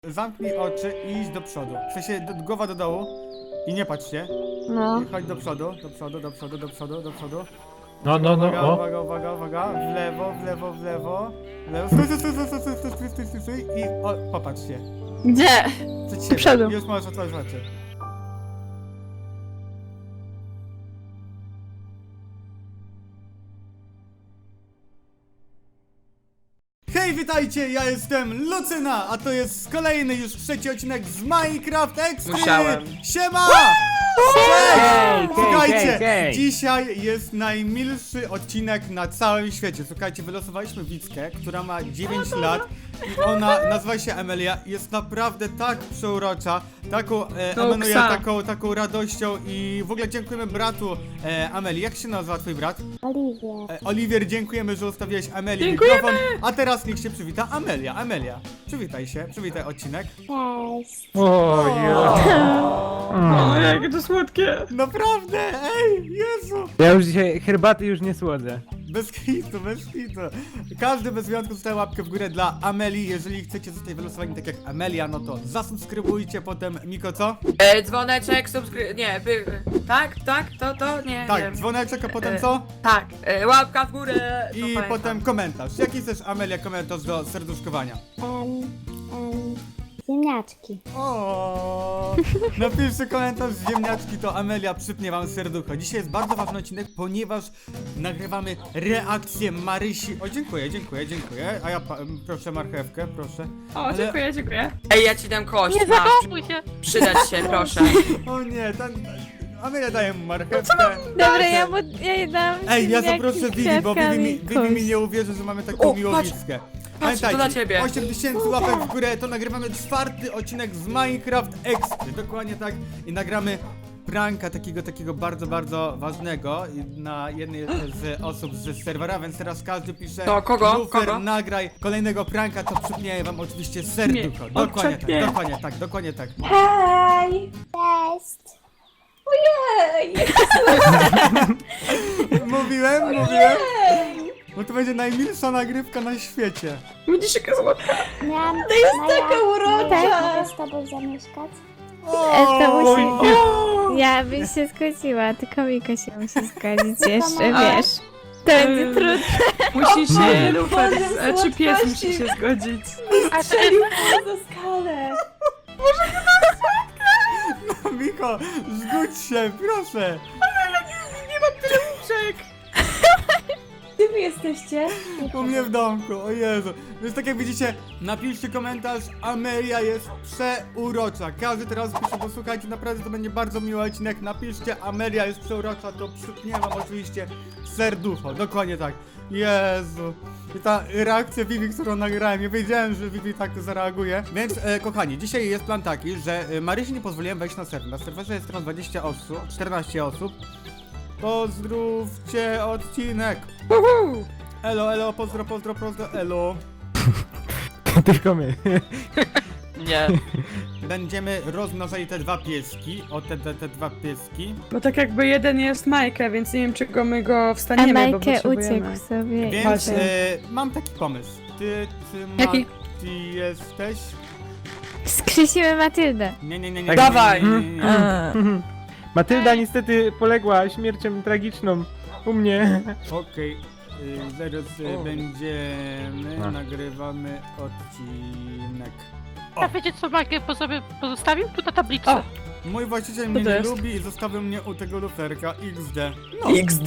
Zamknij oczy i idź do przodu. W sensie głowa do dołu i nie patrz się. No. I chodź do przodu, do przodu, do przodu, do przodu, do przodu. No, Uwaga, o. uwaga, uwaga, uwaga. W lewo, w lewo, w lewo. W lewo. Stój, stój, stój, stój, stój, stój, stój, stój, stój, stój. I popatrz się. Gdzie? Przed siebie. Do przodu. Już możesz otworzyć oczy. Hej, witajcie, ja jestem Lucyna, a to jest kolejny już trzeci odcinek z Minecraft Extreme! Musiałem. Siema! Hej, Słuchajcie, hej. dzisiaj jest najmilszy odcinek na całym świecie. Słuchajcie, wylosowaliśmy Wickę, która ma 9 lat i ona nazywa się Amelia. Jest naprawdę tak przeurocza, emanuje taką radością i w ogóle dziękujemy bratu Amelii. Jak się nazywa twój brat? Oliwier. Oliwier, dziękujemy, że ustawiłeś Amelii mikrofon. A teraz niech się przywita Amelia. Amelia, przywitaj się, przywitaj odcinek. Cześć. O, jakie to słodkie. Naprawdę, ej, Jezu. Ja już dzisiaj herbaty już nie słodzę. Bez hitu, bez hitu. Każdy bez wyjątku zostaje łapkę w górę dla Amelii. Jeżeli chcecie zostać wylosowani tak jak Amelia, no to zasubskrybujcie potem. Miko, co? Dzwoneczek, nie, tak, nie, Tak, nie. dzwoneczek, a potem co? Tak, łapka w górę. to I pamiętam. potem komentarz. Jaki chcesz, Amelia, komentarz do serduszkowania? Ziemniaczki. O, napiszcie komentarz z ziemniaczki, to Amelia przypnie wam serducho. Dzisiaj jest bardzo ważny odcinek, ponieważ nagrywamy reakcję Marysi. O, dziękuję, dziękuję, dziękuję. A ja proszę marchewkę, proszę. O, dziękuję. Ej, ja ci dam kość, Nie masz. zachowuj się. Przydać się, proszę. O nie, Amelia daje mu marchewkę. Dobra, ja jej dam. Ej, ja ziemniaki zaproszę z Vivi, bo kwiatkami, Vivi mi nie uwierzy, że mamy taką O, miłowickę. patrz, to dla ciebie. 8000 łapek w górę, to nagrywamy czwarty odcinek z Minecraft Extreme. Dokładnie tak. I nagramy pranka takiego bardzo, bardzo ważnego na jednej z osób z serwera, więc teraz każdy pisze To kogo? Lufer, Kogo? nagraj kolejnego pranka, to przypnie wam oczywiście serducho. Nie, Dokładnie tak, odczepnie. dokładnie tak, dokładnie tak. Hej! Cześć. Ojej! Mówiłem? Bo to będzie najmilsza nagrywka na świecie. Widzisz, jaka słodka. Miałam To jest taka urocza! mogę z tobą zamieszkać? To O, musi... Ja bym się zgodziła, tylko Miko się musi zgodzić jeszcze, wiesz. To będzie trudne. Musi się Lufer, Boże, czy pies słodkości. musi się zgodzić. Strzelił za skalę! Miko, zgódź się, proszę. Gdzie wy jesteście? U mnie w domku, o Jezu. Więc tak jak widzicie, napiszcie komentarz, Amelia jest przeurocza. Każdy teraz pisze, bo słuchajcie, naprawdę to będzie bardzo miły odcinek. Napiszcie, Amelia jest przeurocza, to przypnie wam oczywiście serducho. Dokładnie tak. Jezu. I ta reakcja Vivi, którą nagrałem, nie wiedziałem, że Vivi tak zareaguje. Więc, kochani, dzisiaj jest plan taki, że Marysi nie pozwoliłem wejść na serwer. Na serwerze jest teraz 20 osób, 14 osób. Pozdrówcie odcinek. Elo, elo, pozdro, elo. Tylko my. Nie. Będziemy rozmnażali te dwa pieski. O, te dwa pieski. Bo tak jakby jeden jest Majkę, więc nie wiem czego my go A wstaniemy, bo Majkę potrzebujemy. uciekł sobie. Więc Chodź. mam taki pomysł. Ty Jaki? Mati jesteś? Skrzysimy Matyldę. Nie. Tak. Dawaj. Nie. Matylda niestety poległa śmiercią tragiczną u mnie. Okej. Zaraz będziemy. No. Nagrywamy odcinek. A wiecie co Majkę po sobie pozostawił? Tu na tablicy. O. Mój właściciel mnie to nie jest? lubi i zostawił mnie u tego luferka XD. No, XD.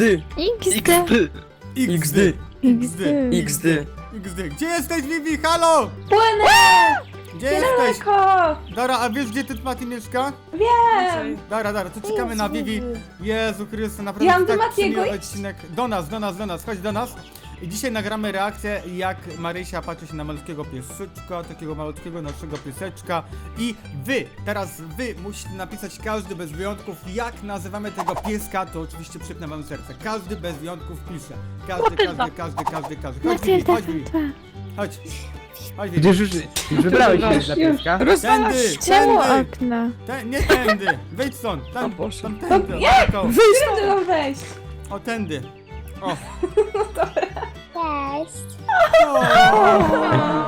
XD. XD. XD. Gdzie jesteś, Vivi? Halo! Płynę! Gdzie jesteś? Daleko! Dara, a wiesz gdzie ty Mati mieszka? Wiem! Dara, to czekamy na Vivi. Jezu Chryste, Ja naprawdę mam do tak Matiego przymiły iść? odcinek. Do nas, chodź do nas. I dzisiaj nagramy reakcję, jak Marysia patrzy się na malutkiego pieseczka, takiego malutkiego naszego pieseczka. I teraz wy musicie napisać, każdy bez wyjątków, jak nazywamy tego pieska, to oczywiście przypnę wam serce. Każdy bez wyjątków pisze. Każdy. Chodź Vivi, Matylda, chodź Vivi. Chodź. Chodź Vivi. Przecież już wybrałeś się dla pieska. Rozwalasz! Czemu Tędy. okno? Nie tędy, wyjdź stąd, tam, O Boże. tędy, Którędy mam wejść? o tędy. O. Cześć. O.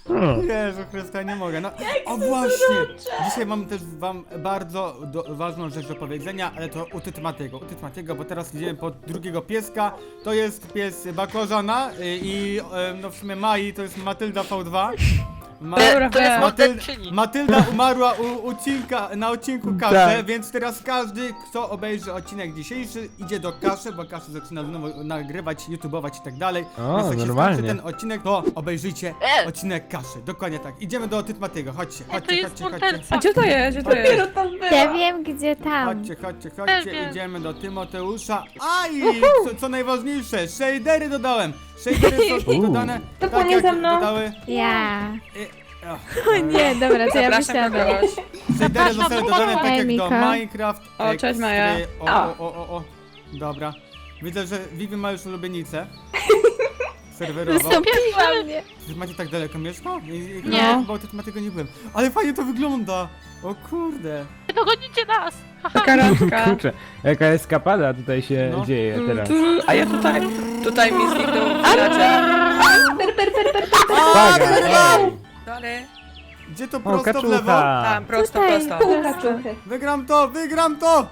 Jezu Chryste, ja nie mogę. No, o właśnie! Dzisiaj mam też wam bardzo ważną rzecz do powiedzenia, ale to u Tytmatiego, bo teraz idziemy po drugiego pieska. To jest pies Bakorzana i no w sumie Mai to jest Matylda V2. Dobra, To jest wiem. morderczyni. Matylda umarła na odcinku Kaszy, Tak. więc teraz każdy, kto obejrzy odcinek dzisiejszy, idzie do Kaszy, bo Kaszy zaczyna znowu nagrywać, youtubować i tak dalej. O, Więc jak się normalnie. skończy ten odcinek, to obejrzyjcie odcinek Kaszy. Dokładnie tak. Idziemy do Tytmatiego, chodźcie. To jest morderca. A gdzie to jest? Gdzie to jest? Dopiero tam była. Ja wiem, gdzie tam. Chodźcie, Wiem. idziemy do Tymoteusza. A i co najważniejsze, shadery dodałem. Shadery są dodane. To tak płynie jak ze mną. dodały. Ja. O O nie, dobra, to ja Zapraszam wysiadam. kogoś. Shadery zostały dodane tak jak do Miko. Minecraft. O, cześć, Maja. O. Dobra. Widzę, że Vivi ma już ulubienicę. Serwerową. Wystąpiła mnie. Wy macie tak daleko mieszka? Nie. Chyba o tym nie byłem. Ale fajnie to wygląda. O kurde. Nie dogonicie nas! Taka randka. Kurczę, jaka eskapada tutaj się No. dzieje teraz. A ja tutaj mi zniknął villager. Uwaga, ej. Dalej. Gdzie to O, prosto w lewo? kaczucha. Tam, prosto, Tutaj. prosto. Pół kaczuchy. Wygram to!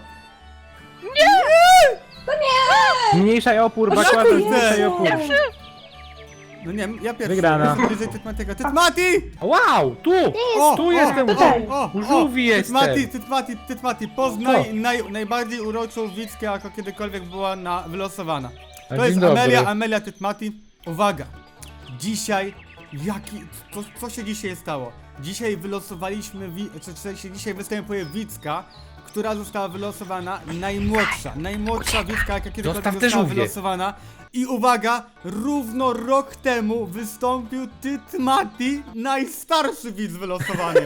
Zmniejszaj opór, O, bakłażan, dziękuję. zmniejszaj opór. No nie, ja pierwszy. Wygrana. Jestem bliżej Tytmatiego. Tytmati! Wow, tu! O, Tu jestem, tutaj. u żółwi jestem. Tytmati, poznaj najbardziej uroczą widzkę, jaka kiedykolwiek była wylosowana. A, To jest dzień dobry. Amelia Tytmati. Uwaga! Dzisiaj, co się dzisiaj stało? Dzisiaj wylosowaliśmy, dzisiaj występuje widzka, która została wylosowana najmłodsza widzka, jaka kiedykolwiek Zostaw te została żółwie. wylosowana. I uwaga, równo rok temu wystąpił Tytmati, najstarszy widz wylosowany.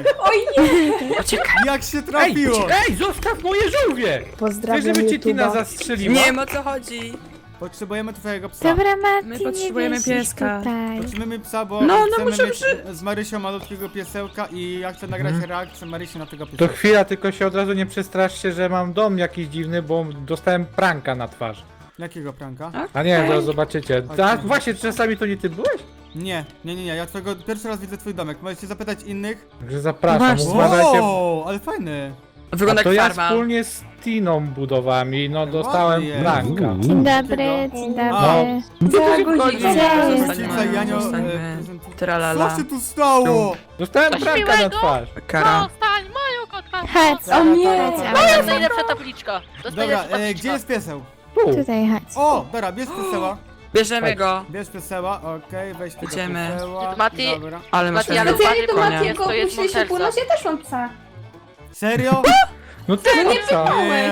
Jak się trafiło? Ej, zostaw moje żółwie! Chcesz, Pozdrawiam żeby cię Tina YouTube'a. zastrzeliła? Nie wiem o co chodzi. Potrzebujemy twojego psa. Dobra, Mati, My nie potrzebujemy wisisz pieska. tutaj. Potrzebujemy psa, bo No, chcemy muszę mieć z Marysią malutkiego piesełka i ja chcę nagrać reakcję Marysi na tego To piesełka. chwila, tylko się od razu nie przestraszcie, że mam dom jakiś dziwny, bo dostałem pranka na twarz. Jakiego pranka? A nie, zaraz zobaczycie. Okej. Tak, właśnie, czasami to nie ty byłeś? Nie, ja pierwszy raz widzę twój domek. Możecie zapytać innych? Także zapraszam, Właśnie. uważajcie. O, ale fajny. Wygląda A to jak ja farma. wspólnie z Tiną budowami, no dostałem Ładnie. pranka. Dzień dobry, dzień dobry. Chodzi, Gdzie Rodzice, zostańmy, Janio, zostańmy. Co Tralala. się tu stało? Dostałem Coś pranka na miłego? twarz. Kara. Zostań, moją kotka! Chodź, O nie. chodź, To Amelia. jest najlepsza tabliczka! To jest Dobra, najlepsza tabliczka. gdzie jest pieseł? Tu. Tutaj chodź. O, dobra, bierz pieseła. Bierzemy go. Bierz pieseła, okej, weź tego Idziemy. pieseła. Mati. Dobra. Ale masz Mati, ale fajnego uważaj, To konia. Matiego Jest, to jest opuściliście morderca. północ, ja też mam psa. Serio? No ty, No nie co? pytałeś.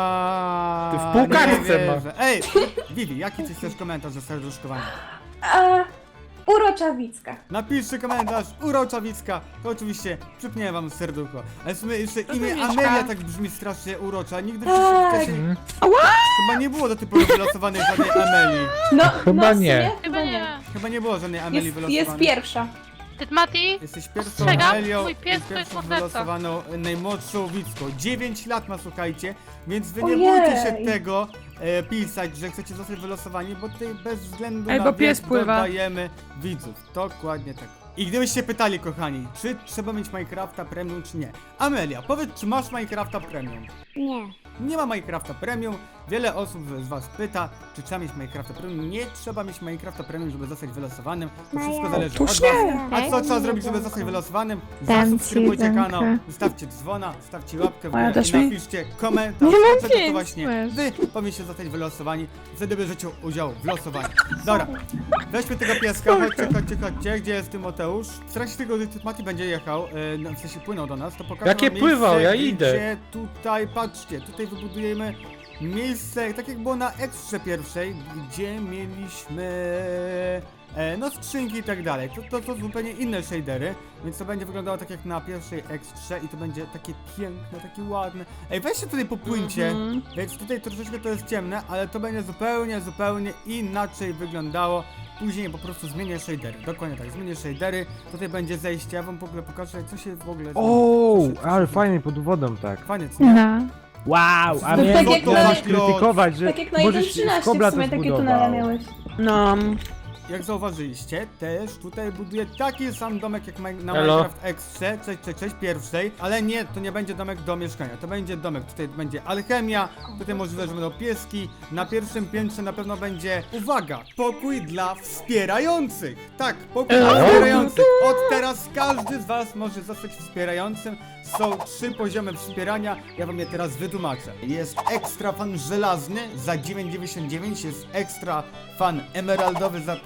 Ty w półkartce Nie ma. wierzę. Ej, Vivi, jaki ty chcesz komentarz ze serduszkowania? A, urocza Wicka. Napiszcie komentarz, urocza Wicka, to oczywiście przypnie wam serducho. Ale w sumie jeszcze imię Wicka. Amelia tak brzmi strasznie urocza, nigdy Tak. wcześniej chyba nie było do tej pory wylosowanej żadnej Amelii. No, Chyba no w nie. sumie Chyba nie. Chyba nie było żadnej Amelii Jest wylosowanej. pierwsza. Tytmati? Jesteś pierwszą Ostrzegam, Amelią mój i pies to jest pierwszą morderca. wylosowaną najmłodszą widzką. 9 lat ma, słuchajcie, więc wy nie Ojej. bójcie się tego pisać, że chcecie zostać wylosowani, bo tutaj bez względu Ej, na bo wiek pies pływa. dodajemy widzów. Dokładnie tak. I gdybyście pytali, kochani, czy trzeba mieć Minecrafta Premium, czy nie? Amelia, powiedz, czy masz Minecrafta Premium? Nie. Nie ma Minecrafta Premium. Wiele osób z was pyta, czy trzeba mieć Minecrafta Premium. Nie trzeba mieć Minecrafta Premium, żeby zostać wylosowanym. To wszystko Maja. zależy od was. A co trzeba zrobić, żeby zostać wylosowanym? Dam ci Zasubskrybujcie jedzonko. kanał, zostawcie dzwona, stawcie łapkę w Maja, górę dasz i mi? napiszcie komentarz, Nie mam dlaczego to pięć, właśnie masz. wy powinniście zostać wylosowani. Wtedy bierzecie udział w losowaniu. Dobra, weźmy tego pieska, chodźcie. Gdzie jest Tymoteusz? W trakcie tego, gdy Mati będzie jechał, w sensie płynął do nas, to pokażę Jakie wam pływał? miejsce, Ja idę. Gdzie tutaj, patrzcie, tutaj wybudujemy miejsce, tak jak było na Ekstrze pierwszej, gdzie mieliśmy no skrzynki i tak dalej. To są zupełnie inne shadery, więc to będzie wyglądało tak jak na pierwszej Ekstrze i to będzie takie piękne, takie ładne. Ej, weźcie tutaj popłyńcie, więc tutaj troszeczkę to jest ciemne, ale to będzie zupełnie inaczej wyglądało. Później po prostu zmienię shadery, dokładnie tak, zmienię shadery, tutaj będzie zejście, ja wam w ogóle pokażę, co się w ogóle O, zmieni. Co się- ale fajnie pod wodą tak. Fajnie, co nie? No. Wow, a No mnie tak jak możesz na- krytykować, że Tak jak na możesz 1.13 kobla w sumie to takie tunele zbudował. miałeś. No. jak zauważyliście, też tutaj buduję taki sam domek jak na Elo. Minecraft Extrze, cześć, pierwszej, ale nie, to nie będzie domek do mieszkania, to będzie domek, tutaj będzie alchemia, tutaj możliwe, że będą pieski, na pierwszym piętrze na pewno będzie, uwaga, pokój dla wspierających, tak, pokój dla wspierających, od teraz każdy z was może zostać wspierającym. Są 3 poziomy wspierania, ja wam je teraz wytłumaczę. Jest ekstra fan żelazny za 9,99, jest ekstra fan emeraldowy za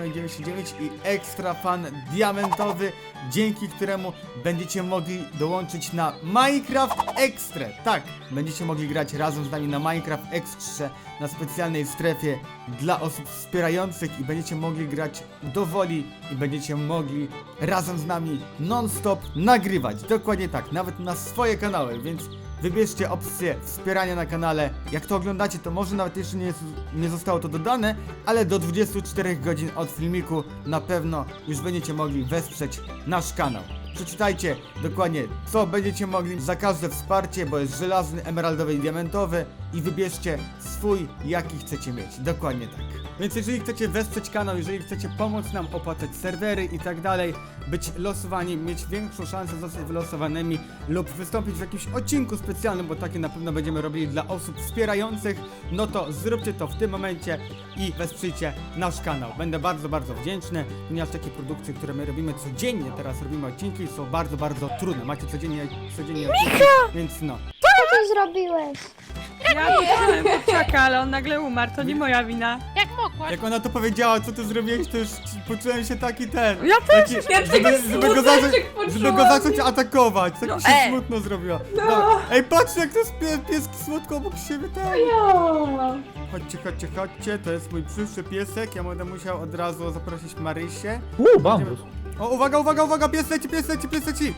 59,99 i ekstra fan diamentowy, dzięki któremu będziecie mogli dołączyć na Minecraft Extra. Tak, będziecie mogli grać razem z nami na Minecraft Extra na specjalnej strefie dla osób wspierających i będziecie mogli grać do woli i będziecie mogli razem z nami non-stop nagrywać. Dokładnie tak, nawet na swoje kanały, więc wybierzcie opcję wspierania na kanale. Jak to oglądacie, to może nawet jeszcze nie zostało to dodane, ale do 24 godzin od filmiku na pewno już będziecie mogli wesprzeć nasz kanał. Przeczytajcie dokładnie, co będziecie mogli za każde wsparcie, bo jest żelazny, emeraldowy i diamentowy i wybierzcie swój, jaki chcecie mieć. Dokładnie tak. Więc jeżeli chcecie wesprzeć kanał, jeżeli chcecie pomóc nam opłacać serwery i tak dalej, być losowani, mieć większą szansę zostać wylosowanymi lub wystąpić w jakimś odcinku specjalnym, bo takie na pewno będziemy robili dla osób wspierających, no to zróbcie to w tym momencie i wesprzyjcie nasz kanał. Będę bardzo, bardzo wdzięczny, ponieważ takie produkcje, które my robimy codziennie, teraz robimy odcinki, są bardzo, bardzo trudne. Macie codziennie odcinki, więc no. Co ty zrobiłeś? Ja widziałem kurczaka, ale on nagle umarł, to nie moja wina. Jak mogłaś? Jak ona to powiedziała, co ty zrobiłeś, to już poczułem się taki ten. Ja też! Taki, Ja żeby go zacząć, żeby go zacząć atakować. Tak No, mi się smutno zrobiło. No. Ej, patrzcie, jak to jest pieski słodko obok siebie. Tak. Jo. Chodźcie, to jest mój przyszły piesek. Ja będę musiał od razu zaprosić Marysię. Bambus. O, uwaga, pies leci.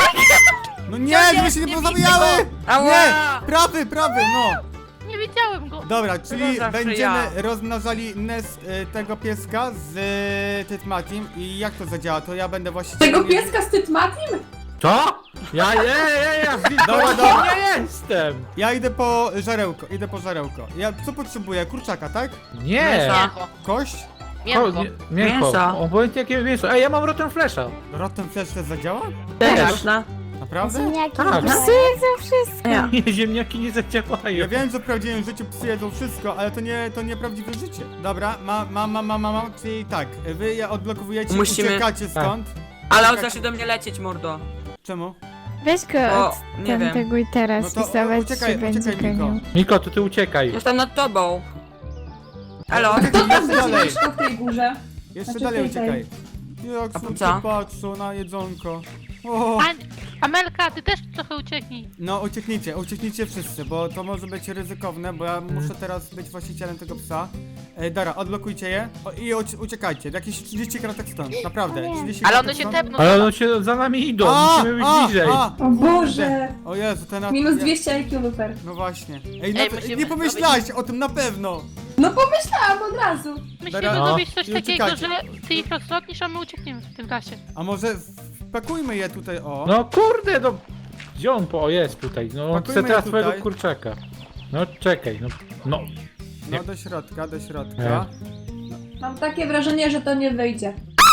No nie, żeby się nie pozabijały! Ała! Nie! Prawy, no! Nie widziałem go. Dobra, czyli zawsze będziemy ja. rozmnażali nest tego pieska z Tytmatim i jak to zadziała? To ja będę właścicielem... Tego pieska z Tytmatim? Co? Ja Dobra. nie jestem! Ja idę po żarełko. Ja co potrzebuję? Kurczaka, tak? Nie! Mięcho. Kość? Mięcho. Mięcho. Mięso. Obojętnie jakie mięso. Ej, ja mam rotten flesza. Rotten Flash też zadziała? Też. Naprawdę? Ziemniaki Tak. nie Psy jedzą wszystko. Ja. Nie, ziemniaki nie zadziałają. Ja wiem, że w prawdziwym życiu psy jedzą wszystko, ale to nie prawdziwe życie. Dobra, mam, czyli tak, wy je odblokowujecie, Musimy- uciekacie stąd. Ale on zacznie do mnie lecieć, mordo. Czemu? Weź go O, od nie wiem. tamtego i teraz No to i zobacz, uciekaj, czy będzie Miko. gonił. Miko, to ty uciekaj. Jestem nad tobą. Elo? Kto tam Jeszcze będzie dalej, mieszkał w tej górze? jeszcze Znaczy dalej tutaj. uciekaj. Jak A po słońce co? patrzą na jedzonko. O. Amelka, ty też trochę ucieknij. No ucieknijcie wszyscy, bo to może być ryzykowne, bo ja muszę teraz być właścicielem tego psa. Dara, odblokujcie je i uciekajcie, jakieś 30 kratek stąd, naprawdę, 30 Ale kratek one się stąd. tepną. Ale one się za nami idą, musimy być bliżej. O Boże! O Jezu, ten Minus 200 IQ Lufer. No właśnie. Ej, Ej, no, musimy nie pomyślałaś o tym na pewno. No pomyślałam od razu. Musimy Dobra, zrobić coś i takiego, uciekajcie. że ty ich rozlotnisz, a my uciekniemy w tym czasie. A może wpakujmy je tutaj, o. No kurde, no. Gdzie on po? O, jest tutaj. No, on chce Pakujmy teraz je twojego tutaj. kurczaka. No, czekaj, no. No do środka. Mam takie wrażenie, że to nie wyjdzie.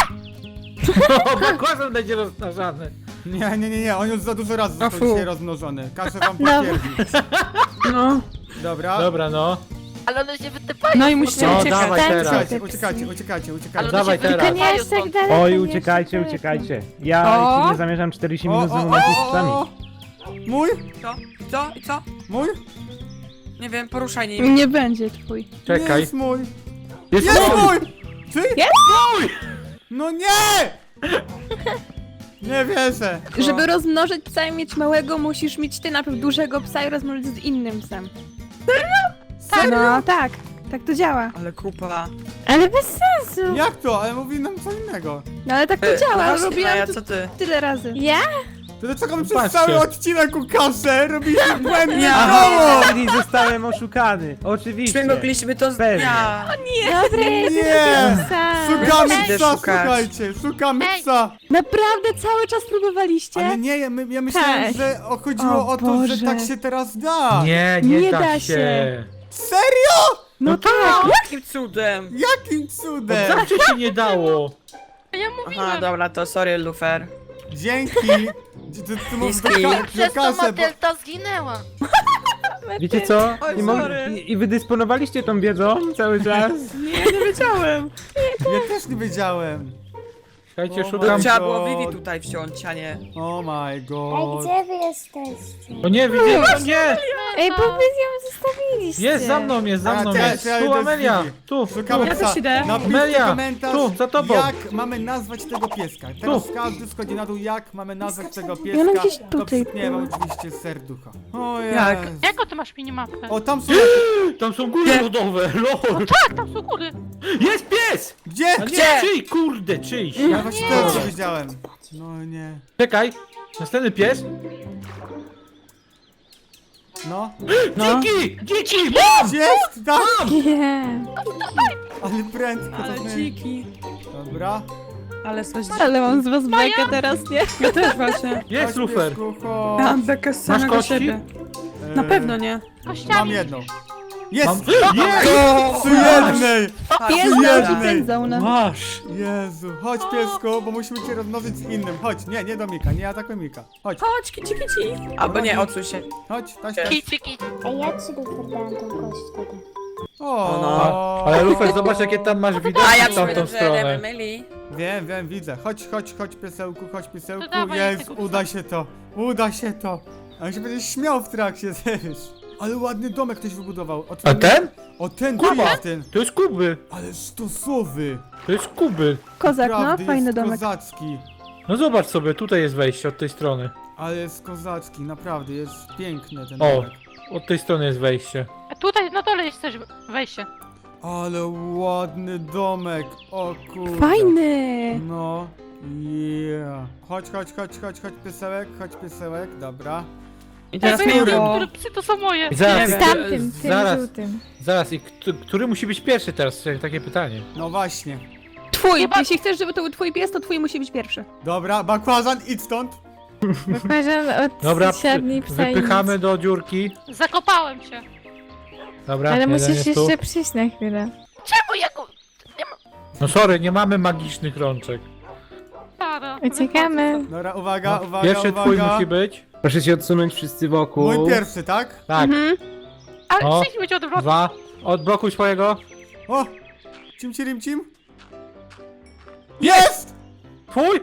O, bakłazan będzie rozmnażany. Nie, on już za dużo razy został fu. dzisiaj rozmnożony. Każę wam No. potwierdzić. No. Dobra. Dobra, no. Ale one się wytypają. No i musicie No, uciekać. dawaj teraz. Uciekajcie. Ale one Dawaj się teraz. Tylko nie aż wytypają tak stąd. daleko. Oj, nie uciekajcie, aż tak daleko. uciekajcie. Ja O! ci nie zamierzam 40 minut z momentu z psami. Mój? Co? Mój? Nie wiem, poruszaj nim. Nie będzie twój. Czekaj. Jest mój! Jest Jest mój! mój! Czy? Jest mój! No nie! Nie wierzę. Żeby rozmnożyć psa i mieć małego, musisz mieć ty najpierw dużego psa i rozmnożyć z innym psem. Serio? No tak, tak to działa. Ale kupa. Ale bez sensu. Jak to? Ale mówi nam co innego. No ale tak to działa, Właśnie, robiłam Maja, to co ty? tyle razy. Ja? To dlaczego my przez Patrzcie. cały odcinek Łukasze robiliśmy błędne Ja. koło? Czyli zostałem oszukany. Oczywiście. Śmigogliśmy to z Pewnie. dnia. Dobra, ja Nie. idę psa. Szukamy Idę psa, szukać. słuchajcie, szukamy Ej. psa. Naprawdę cały czas próbowaliście? Ale nie, ja myślałem, Tak. że chodziło O o to, że Boże. tak się teraz da. Nie Nie da da się. Serio? No tak! Jakim cudem? Jakim cudem? Zawsze się nie dało! Ja mówiłem. Aha, dobra, to sorry, Lufer. Dzięki! Ty możesz Niski. do kasę, bo... zginęła. Wiecie co? Oj, Nie mo- sorry. I wy dysponowaliście tą wiedzą cały czas? Nie wiedziałem. Ja też nie wiedziałem. Słuchajcie, O szukam... Trzeba było Vivi tutaj wziąć, a nie. Oh my Ej, god. gdzie wy jesteście? O nie, widzę, o nie! Ej, bo wy ją zostawiliście. Jest za mną, jest za A, mną, teraz jest. ja Tu idę z Amelia, Vivi. tu. Szukamy Ja psa. też idę. Napiszcie Amelia, komentarz, tu, za tobą. jak mamy nazwać tego pieska. Teraz każdy schodzi na dół, jak mamy nazwać tego pieska. Ja mam gdzieś To tutaj przypniemy oczywiście serducha. O Jak? Jezu. Jaką ty masz minimapkę? O, tam są... Tam są góry lodowe, lol. Tak, tam są góry. Jest pies! Gdzie? A nie, Gdzie? czyj, kurde, czyjś. Ja właśnie też nie wiedziałem. No nie. Czekaj, następny pies. No. Dziki! Dzieci! Mam! Jest! Tak! Nie. Ale prędko Ale to dziki. Dobra. Ale coś Ale mam z was bekę teraz, nie? Ja też właśnie. Jest Chodź, lufer. piesku, chodź. Mam bekę z Masz samego kości? siebie. Eee, Na pewno nie. Mam Kościami. jedną. Mam... Jest! Jest! Przy jednej! Jest Jednej. na pędzone. Masz! Jezu, chodź piesku, bo musimy cię rozmnożyć z innym. Chodź, nie do Mika, nie atakuj Mika. Chodź, Chodź, kici, kici. Albo nie, odsuń się. chodź, taś. Kici, kici. Ej, ja ci lufer dałam tą kość wtedy. O, no. Ale lufer, zobacz jakie tam masz A widoki ja w tamtą przypominam, że stronę. myli. Wiem, widzę. Chodź piesełku, chodź piesełku. To dawaj Jest, tego psa. uda się to. A on się będzie śmiał w trakcie, wiesz. Ale ładny domek ktoś wybudował. A ten? O ten, tu Kuba. jest ten. To jest Kuby. Ale stosowy. To jest Kuby. Kozak, no, Naprawdę, fajny jest domek. kozacki. No zobacz sobie, tutaj jest wejście od tej strony. Ale jest kozacki, naprawdę, jest piękny ten O. domek. Od tej strony jest wejście. A tutaj na dole jest też wejście. Ale ładny domek, o kurde. Fajny! No, yeah. Chodź piesełek, dobra. I teraz Ja wiem, miło. które psy to są moje. I zaraz, Nie Z wiem. tamtym, tym zaraz, żółtym. zaraz, i który musi być pierwszy teraz? Takie pytanie. No właśnie. Twój! Chyba- Jeśli chcesz, żeby to był twój pies, to twój musi być pierwszy. Dobra, bakłazan, idź stąd. Bakłażan od Dobra, średniej psa i wypychamy nic. do dziurki. Zakopałem się. Dobra, Ale jeden musisz jest tu. jeszcze przyjść na chwilę. Czemu ja go... No sorry, nie mamy magicznych rączek. Stara. Uciekamy. Dobra, uwaga. Pierwszy twój musi być. Proszę się odsunąć wszyscy wokół. Mój pierwszy, tak? Tak, Mhm. Ale O. psy będzie odwrotnie. 2. Odblokuj swojego. O! Cim. Jest! Twój!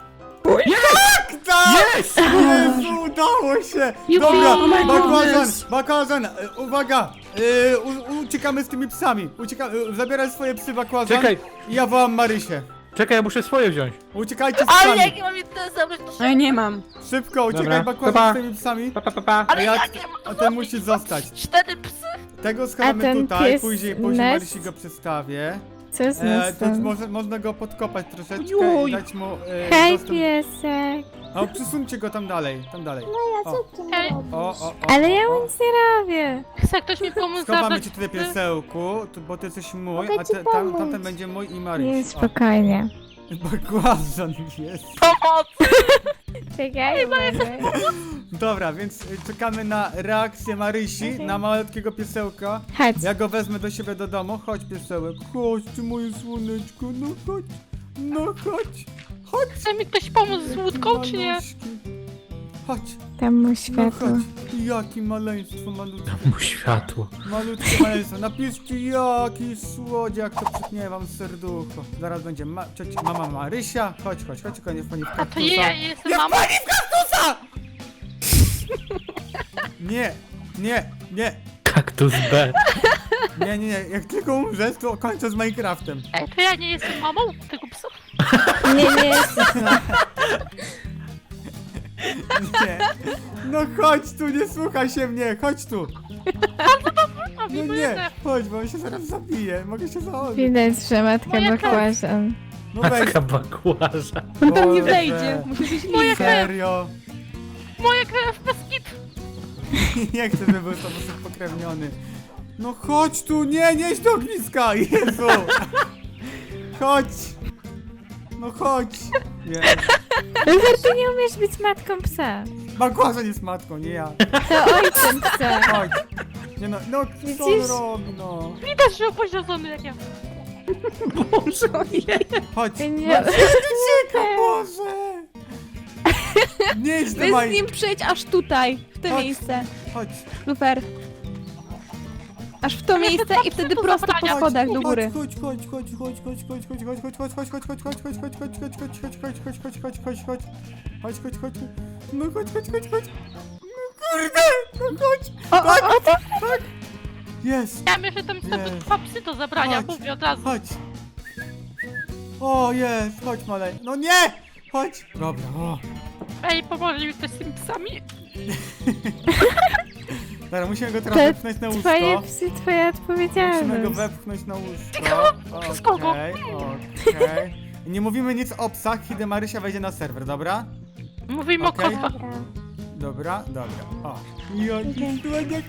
Tak! Jest! Jezu, udało się! Jupi. Dobra, Oh my bakłazan, uwaga! Uciekamy z tymi psami. Zabieraj swoje psy, bakłazan. Czekaj, I ja wołam Marysię. czekaj, ja muszę swoje wziąć. Uciekajcie z psami. Ale jak ja mam jedno zabrać, to No ja nie mam. Szybko, uciekaj Dobra, bakłazan pa. z tymi psami. Pa. Ale ja- jak ja mam A ten musi zostać. 4 psy? Tego schowamy ten tutaj, pies później Nest? Marysi go przedstawię. Co z To nas można go podkopać troszeczkę Juj. i dać mu Hej, dostęp. piesek. O, przesuńcie go tam dalej. No ja O. co ty Ej. robisz? O. Ale ja mu nic nie robię. Chce ktoś mi pomóc Schowamy zabrać cię tutaj psy? piesełku, bo ty jesteś mój, Mogę a ci pomóc. tamten będzie mój i Nie, Maryś. spokojnie. Bakłazan jest. Pomoc! Czekaj, uważaj. Dobra, więc czekamy na reakcję Marysi, na malutkiego piesełka. Chodź. Ja go wezmę do siebie do domu. Chodź piesełek, chodź ty moje słoneczko, no chodź. No chodź. Chodź. Chce mi ktoś pomóc z łódką, czy nie? Maluśki. Chodź, Tam mu no światło. chodź. Jakie maleństwo malutkie. Mu światło. Malutkie maleństwo. Napiszcie jaki słodziak, to przypnie wam serducho. Zaraz będzie mama Marysia. Chodź, konie w pani w A to ja jestem mamą? Nie. Kaktus B. Nie. Jak tylko umrzesz, to kończę z Minecraftem. Ej, to ja nie jestem mamą tego psa? Nie jesteś ma. Nie. No chodź tu, nie słuchaj się mnie, chodź tu. A No nie, chodź, bo on się zaraz zabije, mogę się założyć. Widać, że matka Moja bakłażan. No weź, Matka bakłaża. On tam nie Boże. wejdzie. Musi być Moja linka. serio. Moja krew bez kit. Nie chcę, żeby był to sposób pokrewniony. No chodź tu, nie idź do ogniska, Jezu. Chodź. No chodź. Nie. Lufer, ty nie umiesz być matką psa. Bakłazan jest matką, nie ja. To ojcem psa. Chodź. Nie no, co on Widzisz? robi, no. Widać, że upośledzony jak ja. Chodź. Nie. No, ucieka, Boże. Nie idź do Wy z Maj. nim przyjdź aż tutaj, w to Chodź. miejsce. Chodź. Lufer. Aż w to miejsce i wtedy do prosto po zabrania. schodach do góry. Chodź. No chodź. No kurde, no chodź. O, tak. Jest. Ja myślę, że tam są Nie. dwa psy do zabrania, Chodź. mówię od razu. Chodź. O, jest. Chodź, malej. No nie. Chodź. Dobra, o. Ej, pomoże mi ktoś z tymi psami? Dobra, musimy go teraz To wepchnąć na Twoje łóżko. psy, twoja Musimy go odpowiedzialność. wepchnąć na łóżko. Przez kogo? Okej. I nie mówimy nic o psach, kiedy Marysia wejdzie na serwer, dobra? Mówimy Okej. o kotach. Dobra. Dobra. O. Jaki słodziak,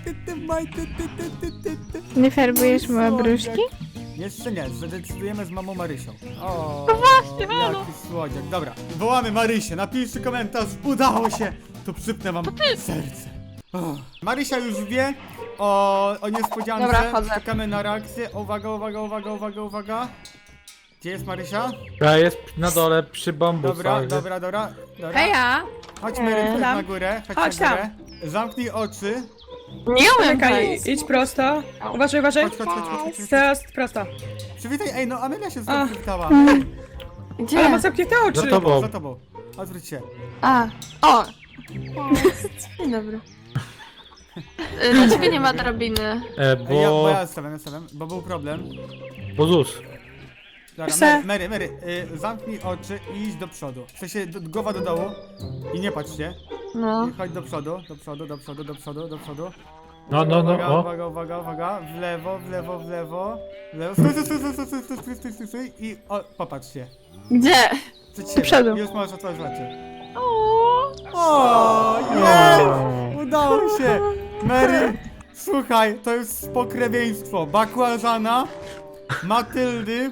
Nie farbujesz mu obruszki? Jeszcze nie, zadecydujemy z mamą Marysią. O, No właśnie, halo. jaki słodziak. Dobra, wołamy Marysię, napiszcie komentarz, udało się! To przypnę wam serce. O. Marysia już wie o niespodziance. Dobra, wchodzę. Czekamy na reakcję. Uwaga. Gdzie jest Marysia? Ja jest na dole przy bambusach. Dobra. Heja! Chodź Mary, chodź na górę, Chodź na górę. Zamknij oczy. Nie umiem Czekaj, idź prosto. Uważaj. Chodź. Teraz prosto. Przywitaj, ej, no Amelia się zapytała. Gdzie? Ale ma zamknięte oczy. Za tobą. Za tobą. Odwróć się. O, Cześć. dzień dobry. Dlaczego nie ma drabiny? Bo ja stawiam, bo był problem. Bo ZUS. Dobra, Mary, zamknij oczy i idź do przodu. W sensie głowa do dołu i nie patrz się. No. I chodź do przodu. No, Uwaga. W lewo. Stój. I popatrz się. Gdzie? Przed siebie. przodu. Już możesz otworzyć oczy. O, jest! Udało się! Mary, słuchaj, to jest pokrewieństwo bakłażana, Matyldy,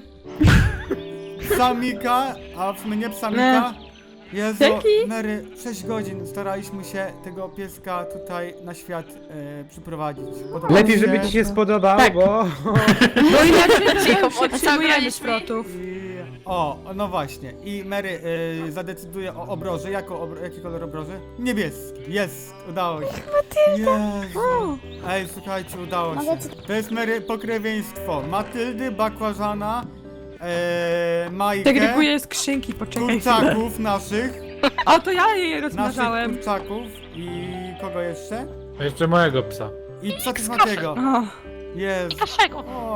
Psamika, a w sumie nie Psamika. Jezu, Mary, 6 godzin staraliśmy się tego pieska tutaj na świat przyprowadzić. Podoba Lepiej, mi żeby ci się spodobało, bo... Bo inaczej Cicho, potrzebujemy szprotów. No właśnie. I Mary zadecyduje o obroży. Jaki kolor obroży? Niebieski. Jest, udało się. Jezu. Ej, słuchajcie, udało się. To jest Mary pokrewieństwo. Matyldy, bakłażana, Majkę, Segreguję skrzynki, poczekaj chwilę. kurczaków naszych. O, to ja je Naszych rozmnażałem. kurczaków. I kogo jeszcze? A jeszcze mojego psa. I psa też Matiego. O, Jezu. Naszego.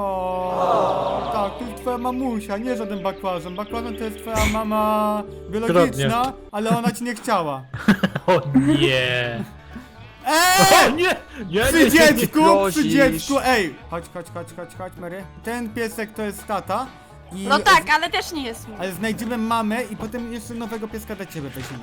O, tak, to jest twoja mamusia, nie żaden bakłażan. Bakłażan to jest twoja mama biologiczna, ale ona ci nie chciała. O nie! Eee! Nie! Przy dziecku, ej! Chodź, Mary. Ten piesek to jest tata. I No tak, ale też nie jest mój. Ale znajdziemy mamę i potem jeszcze nowego pieska dla ciebie weźmiemy.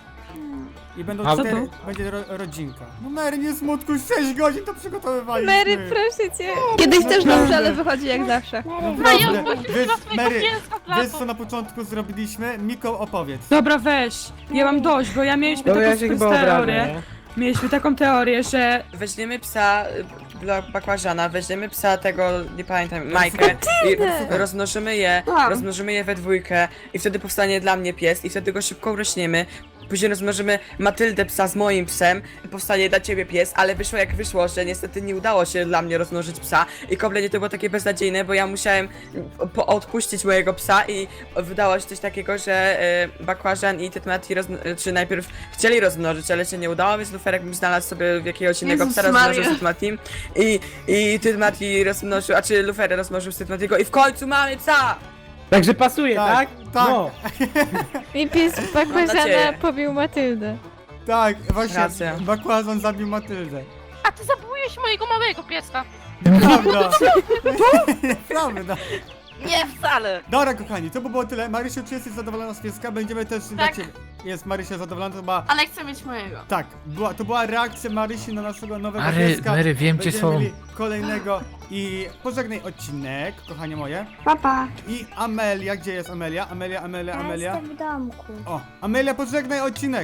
I będą A co 4, będzie rodzinka. No Mary, nie smutku, 6 godzin to przygotowywaliśmy. Mary, proszę cię. Kiedyś też Naprawdę. dobrze, ale wychodzi jak zawsze. No i Dobra. odpuścił Wiesz, dla swojego Mary, pieska w wiesz lato. co na początku zrobiliśmy? Miko, opowiedz. dobra, weź. Ja mam dość, bo ja mieliśmy Dobra, ja taką się chyba obrażę, teorię. nie? Mieliśmy taką teorię, że Weźmiemy psa dla bakłażana, weźmiemy psa tego, nie pamiętam, Majkę i rozmnożymy je we dwójkę i wtedy powstanie dla mnie pies i wtedy go szybko urośniemy. Później rozmnożymy Matyldę psa z moim psem, powstanie dla ciebie pies, ale wyszło jak wyszło, że niestety nie udało się dla mnie rozmnożyć psa i kompletnie to było takie beznadziejne, bo ja musiałem odpuścić mojego psa i wydało się coś takiego, że bakłażan i Tytmati czy najpierw chcieli rozmnożyć, ale się nie udało, więc Luferek bym znalazł sobie jakiegoś innego Jezus psa, rozmnożył Maria. z Tytmatim i Tytmati rozmnożył, a czy Lufer rozmnożył z Tytmatiego i w końcu mamy psa! Także pasuje, tak? Tak. No. I pies bakłażana nadzieję. pobił Matyldę. Tak, właśnie, Racja. bakłażan zabił Matyldę. A ty zabiłeś mojego małego pieska. Prawda. Prawda. Nie, wcale. Dobra, kochani, to by było tyle. Marysiu, czy jesteś zadowolona z pieska? Będziemy też dla Tak. ciebie. Jest Marysia zadowolona, to była... Ale chcę mieć mojego. Tak, to była reakcja Marysi na naszego nowego Mary, pieska. Mary, wiem, gdzie Będziemy są. mieli kolejnego i pożegnaj odcinek, kochanie moje. Papa. I Amelia, gdzie jest Amelia? Ja Amelia. jestem w domku. O, Amelia, pożegnaj odcinek.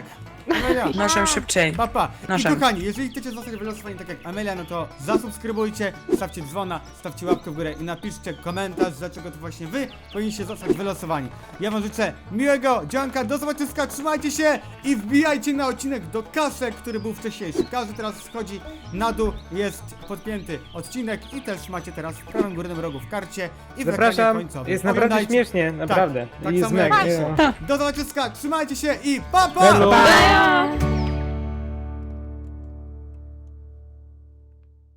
Amelia. Noszę szybciej. Papa. I Noszę. kochani, jeżeli chcecie zostać wylosowani tak jak Amelia, no to zasubskrybujcie, stawcie dzwona, stawcie łapkę w górę i napiszcie komentarz, dlaczego to właśnie wy powinniście zostać wylosowani. Ja wam życzę miłego dzionka, do zobaczyska, trzymajcie się i wbijajcie na odcinek do kasek, który był wcześniejszy. Każdy teraz schodzi na dół, jest podpięty odcinek i też macie teraz w prawym górnym rogu w karcie i w ekranie Zapraszam, końcowym. jest naprawdę Pamiętajcie- śmiesznie, naprawdę. tak I samo zmek. jak nie Macie. no. Do zobaczyska, trzymajcie się i pa pa! Hello. Pa!